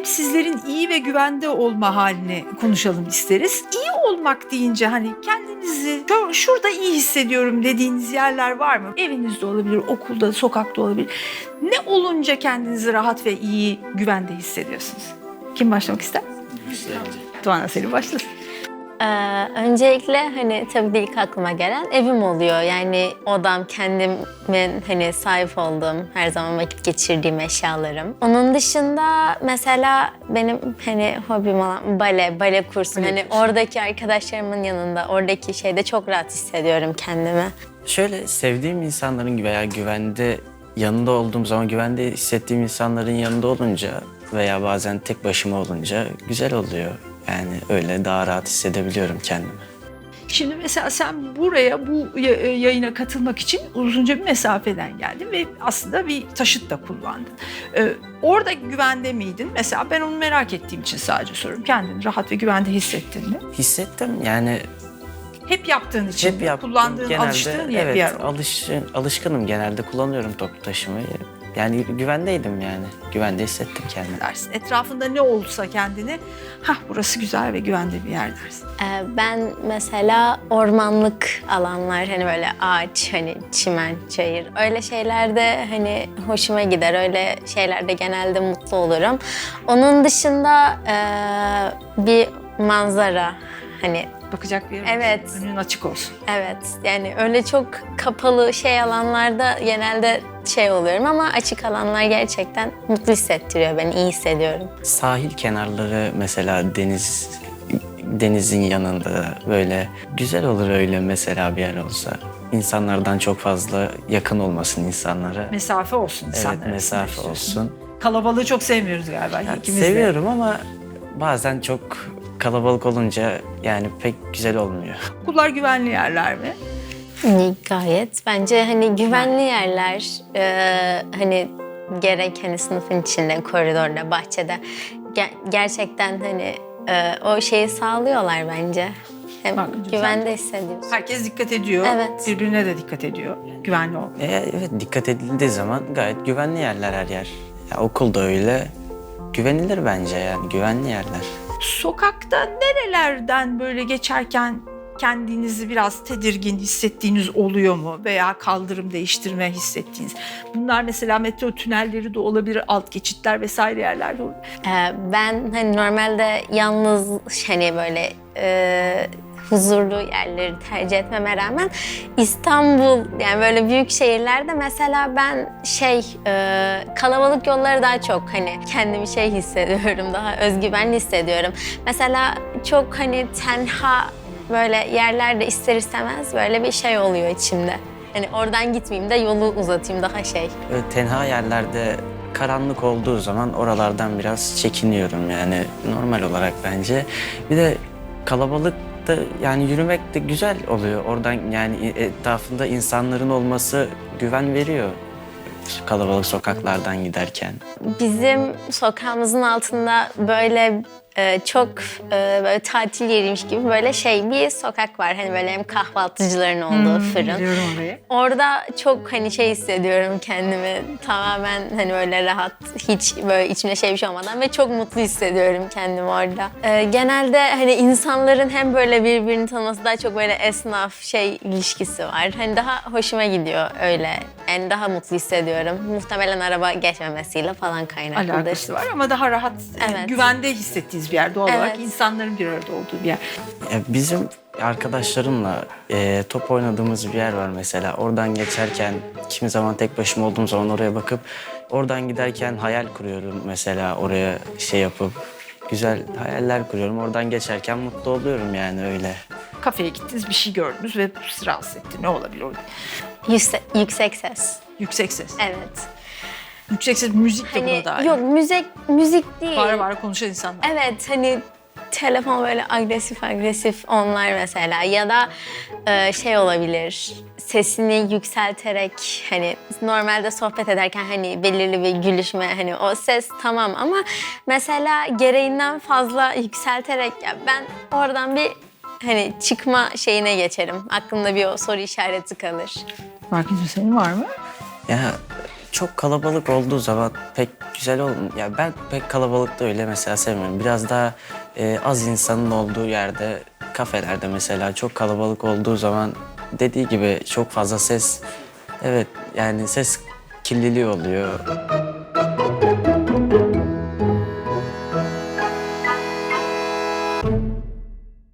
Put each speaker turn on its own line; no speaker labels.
hem sizlerin iyi ve güvende olma halini konuşalım isteriz. İyi olmak deyince hani kendinizi şurada iyi hissediyorum dediğiniz yerler var mı? Evinizde olabilir, okulda, sokakta olabilir. Ne olunca kendinizi rahat ve iyi, güvende hissediyorsunuz? Kim başlamak ister? Doğan Selim başlasın.
Öncelikle hani tabii de ilk aklıma gelen evim oluyor. Yani odam, kendimin hani sahip olduğum, her zaman vakit geçirdiğim eşyalarım. Onun dışında mesela benim hani hobim olan bale kursum. Hani oradaki arkadaşlarımın yanında, oradaki şeyde çok rahat hissediyorum kendimi.
Şöyle sevdiğim insanların veya güvende yanında olduğum zaman güvende hissettiğim insanların yanında olunca veya bazen tek başıma olunca güzel oluyor. Yani öyle daha rahat hissedebiliyorum kendimi.
Şimdi mesela sen buraya bu yayına katılmak için uzunca bir mesafeden geldin ve aslında bir taşıt da kullandın. Orada güvende miydin? Mesela ben onu merak ettiğim için sadece soruyorum. Kendini rahat ve güvende hissettin mi?
Hissettim yani.
Hep yaptığın için,
Hep yaptım.
kullandığın,
Genelde,
alıştığın
evet,
bir yer.
alışkınım genelde kullanıyorum toplu taşımayı. Yani güvendeydim yani. Güvende hissettim kendimi.
Dersin. Etrafında ne olsa kendini, burası güzel ve güvende bir yer dersin.
Ben mesela ormanlık alanlar, hani böyle ağaç, hani çimen, çayır, öyle şeylerde hani hoşuma gider. Öyle şeylerde genelde mutlu olurum. Onun dışında bir manzara, hani
Bakacak bir yer
evet.
olsun, önün açık olsun.
evet, yani öyle çok kapalı alanlarda genelde oluyorum ama açık alanlar gerçekten mutlu hissettiriyor beni, iyi hissediyorum.
Sahil kenarları mesela denizin yanında böyle güzel olur öyle mesela bir yer olsa. İnsanlardan çok fazla yakın olmasın insanlara.
Mesafe olsun insanlara.
Evet, mesafe olsun.
Kalabalığı çok sevmiyoruz galiba ikimiz de.
Seviyorum ama bazen çok kalabalık olunca yani pek güzel olmuyor.
Okullar güvenli yerler mi?
Gayet. Bence hani güvenli yerler, hani gerek hani sınıfın içinde, koridorda, bahçede gerçekten hani o şeyi sağlıyorlar bence. Hem
Bak,
güvende hissediyorsun.
Herkes dikkat ediyor.
Evet.
Birbirine de dikkat ediyor. Güvenli ol.
Evet, dikkat edildiği zaman gayet güvenli yerler her yer. Ya, okul da öyle. Güvenilir bence yani güvenli yerler.
Sokakta nerelerden böyle geçerken kendinizi biraz tedirgin hissettiğiniz oluyor mu? Veya kaldırım değiştirme hissettiğiniz. Bunlar mesela metro tünelleri de olabilir, alt geçitler vesaire yerlerde olabilir.
Ben hani normalde yalnız hani böyle huzurlu yerleri tercih etmeme rağmen İstanbul, yani böyle büyük şehirlerde mesela ben kalabalık yolları daha çok hani kendimi hissediyorum, daha özgüvenli hissediyorum. Mesela çok hani tenha böyle yerlerde ister istemez böyle bir oluyor içimde. Hani oradan gitmeyeyim de yolu uzatayım, daha
Böyle tenha yerlerde karanlık olduğu zaman oralardan biraz çekiniyorum yani normal olarak bence. Bir de kalabalıkta yani yürümek de güzel oluyor. Oradan yani etrafında insanların olması güven veriyor kalabalık sokaklardan giderken.
Bizim sokağımızın altında böyle çok böyle tatil yeriymiş gibi böyle bir sokak var. Hani böyle hem kahvaltıcıların olduğu fırın.
Biliyorum orayı.
Orada çok hani hissediyorum kendimi, tamamen hani böyle rahat, hiç böyle içimde bir şey olmadan ve çok mutlu hissediyorum kendimi orada. Genelde hani insanların hem böyle birbirini tanıması, daha çok böyle esnaf ilişkisi var. Hani daha hoşuma gidiyor öyle. Yani daha mutlu hissediyorum. Muhtemelen araba geçmemesiyle falan kaynaklıdır.
Alakası var ama daha rahat,
Evet.
güvende hissettiğiniz bir yer. Doğal olarak
Evet.
insanların bir arada olduğu bir yer.
Bizim arkadaşlarımla top oynadığımız bir yer var mesela. Oradan geçerken kimi zaman tek başıma olduğum zaman oraya bakıp oradan giderken hayal kuruyorum mesela oraya yapıp güzel hayaller kuruyorum. Oradan geçerken mutlu oluyorum yani öyle.
Kafeye gittiniz, bir şey gördünüz ve sizi rahatsız etti. Ne olabilir orada?
Yüksek ses.
Yüksek ses.
Evet.
Yüksek ses, müzik de
Hani
buna dahil.
yok, müzik değil.
Bağıra konuşan insanlar.
Evet, hani telefon böyle agresif onlar mesela, ya da olabilir, sesini yükselterek, hani normalde sohbet ederken hani belirli bir gülüşme, hani o ses tamam ama mesela gereğinden fazla yükselterek, ya ben oradan bir hani çıkma geçerim. Aklımda bir o soru işareti kalır.
Markin'cim senin var mı?
Ya çok kalabalık olduğu zaman pek güzel olmuyor. Ya ben pek kalabalıkta öyle mesela sevmiyorum. Biraz daha az insanın olduğu yerde, kafelerde mesela çok kalabalık olduğu zaman dediği gibi çok fazla ses, evet yani ses kirliliği oluyor.